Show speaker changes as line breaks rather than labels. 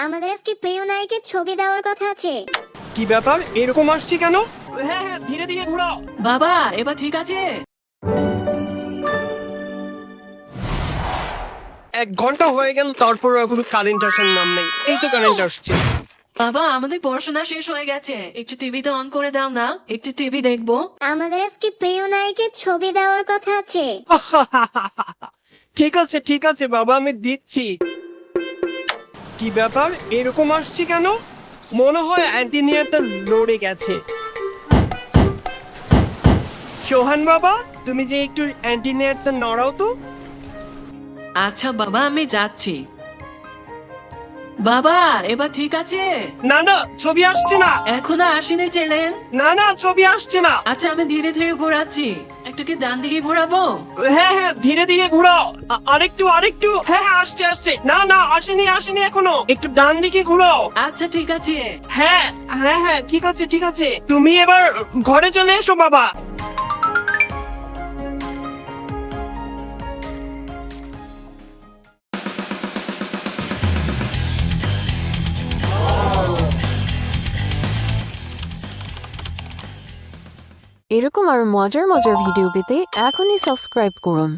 আমাদের আজকে প্রিয় নায়কের ছবি দেওয়ার কথা আছে।
কি ব্যাপার এরকম আসছে কেন? হ্যাঁ হ্যাঁ, ধীরে ধীরে ঘোরাও।
বাবা এবার ঠিক আছে?
1 ঘন্টা হয়ে গেল, তারপর এখনো কারেন্ট আসার নাম নেই। এই তো কারেন্ট আসছে।
বাবা আমাদের পড়াশোনা শেষ হয়ে গেছে, একটু টিভিতে অন করে দাও না, একটু টিভি দেখবো।
আমাদের আজকে প্রিয় নায়কের ছবি দেওয়ার কথা আছে।
ঠিক আছে ঠিক আছে বাবা, আমি দিচ্ছি। কি ব্যাপার এরকম আসছে কেন? মনে হয় অ্যান্টিনিয়ারটা লড়ে গেছে। সোহান বাবা, তুমি যে একটু অ্যান্টিনিয়ারটা নড়াও তো।
আচ্ছা বাবা আমি যাচ্ছি। বাবা এবার ঠিক আছে?
না না, ছবি আসছে না।
এখনো আসেনি চ্যানেল?
না না, ছবি আসছে না।
আচ্ছা আমি ধীরে ধীরে ঘোরাচ্ছি, একটু কি ডান দিকে ঘোরাবো?
হ্যাঁ হ্যাঁ, ধীরে ধীরে ঘোরাও। আরেকটু আরেকটু। হ্যাঁ হ্যাঁ, আসছে আসছে। না না, আসেনি আসেনি এখনো। একটু ডান দিকে ঘোরাও।
আচ্ছা ঠিক আছে।
হ্যাঁ হ্যাঁ হ্যাঁ, ঠিক আছে ঠিক আছে। তুমি এবার ঘরে চলে এসো বাবা।
এরকম আরো মজার মজার ভিডিও পেতে এখনই সাবস্ক্রাইব করুন।